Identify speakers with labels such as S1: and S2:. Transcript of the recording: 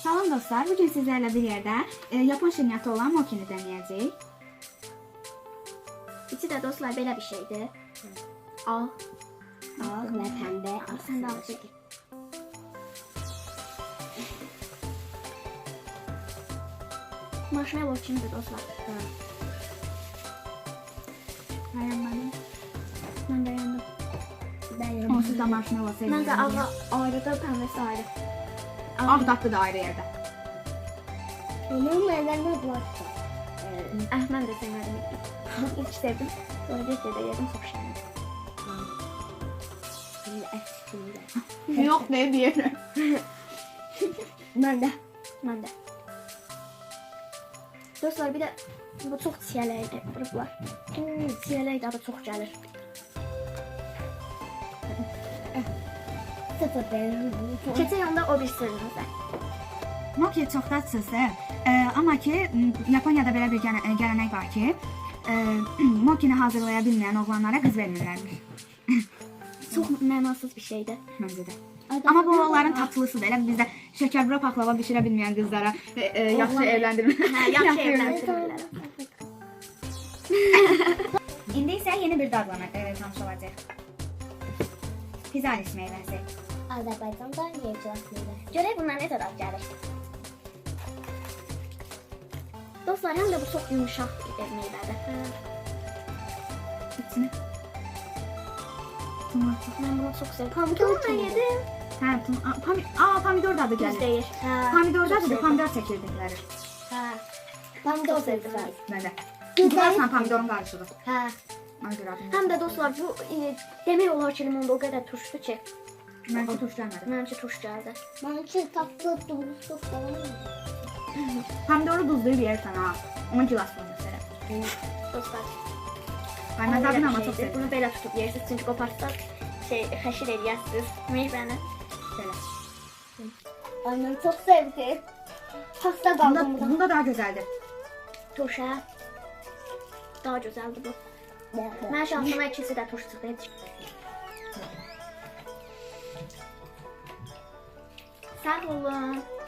S1: Salam dostlar, bugün sizlerle bir yerde Japon şirniyyatı olan mokini deneyeceğiz.
S2: İçi de dostlar böyle bir şeydi. Al.
S3: Al ve pembe.
S2: Al sen de al çekil. Marshmallow içinde dostlar.
S1: Beğenmedim.
S2: Ben beğendim.
S1: Onsuz da marshmallow
S2: Ben de
S1: seviyorum.
S2: ayrı da pembesi ayrı.
S1: Ah tatlı da ayrı yerde.
S3: Onun nedenine bulaştı.
S2: Ben de sevmedim. İlk sevdim. Sonra bir de yedim çok şenlik.
S3: Şimdi eşliğinde.
S1: Yok ne diyelim.
S3: Ben de.
S2: Ben de. Dostlar bir de bu çok çiyələkdir. Qırıblar. Çiyələk adı çox gəlir.
S3: Sıfır benim.
S2: Keçən yanda o bir sırrımızda.
S1: Moki çox dadsızdır. Amma ki Yaponiyada belə bir gələnek var ki, mokini hazırlaya bilməyən oğlanlara qız vermirlərmiş.
S2: Çox mənasız bir şeydir.
S1: Məncə də. Amma bu onların tatlısıdır. Elə bizdə şəkərbura paxlava bişirə bilməyən qızlara yaxşı evləndirmə.
S2: Hə, yaxşı evləndirirlər.
S1: İndi isə yeni bir dadla tanış olacaq. Pizalis meyvəsi.
S3: Azerbaycan'da yiyeceğiz meyve.
S2: Görək bunlar nə qədər gəlir. Dostlar, həm də bu çox yumuşaq bir meyvədir.
S1: İçini. Tomat.
S2: Mən bunu çox sevirəm. Pomidorla yedim.
S1: Hə, pomidor dadı
S2: Düz
S1: gəlir.
S2: deyir.
S1: Pomidor
S2: Çox
S1: dadı
S2: sevdim.
S1: pomidor çəkirdikləri.
S2: Hə.
S3: Ben de
S2: Çox
S3: o
S2: sevdim.
S3: sevdim.
S1: Məndə.
S3: Güzel.
S1: Burasla pomidorun qarışığı.
S2: Hə.
S1: Ona görə adım.
S2: Həm də dostlar, bu demək olar ki, limonda o qədər turşdu ki,
S1: Məncə turş gəlmədi.
S2: məncə turş gəldi.
S3: Ben için tatlı dumlu falan.
S1: Pomidoru duzlayıb yersən ha. Onu gilas qoyursan.
S2: Dostlar,
S1: Ay mən dadını amma çox
S2: şeydir.
S1: sevirəm.
S2: Bunu belə tutub yeyirsiniz, çünki qoparsaq xəşir eləyəsiniz meyvəni.
S1: Belə.
S3: Annem çok sevdi. Pasta kaldım burada.
S1: Bunda daha gözəldir.
S2: Turşa. Daha gözəldir bu. Mən şansıma ikisi də turş çıxdı. Sağ olun.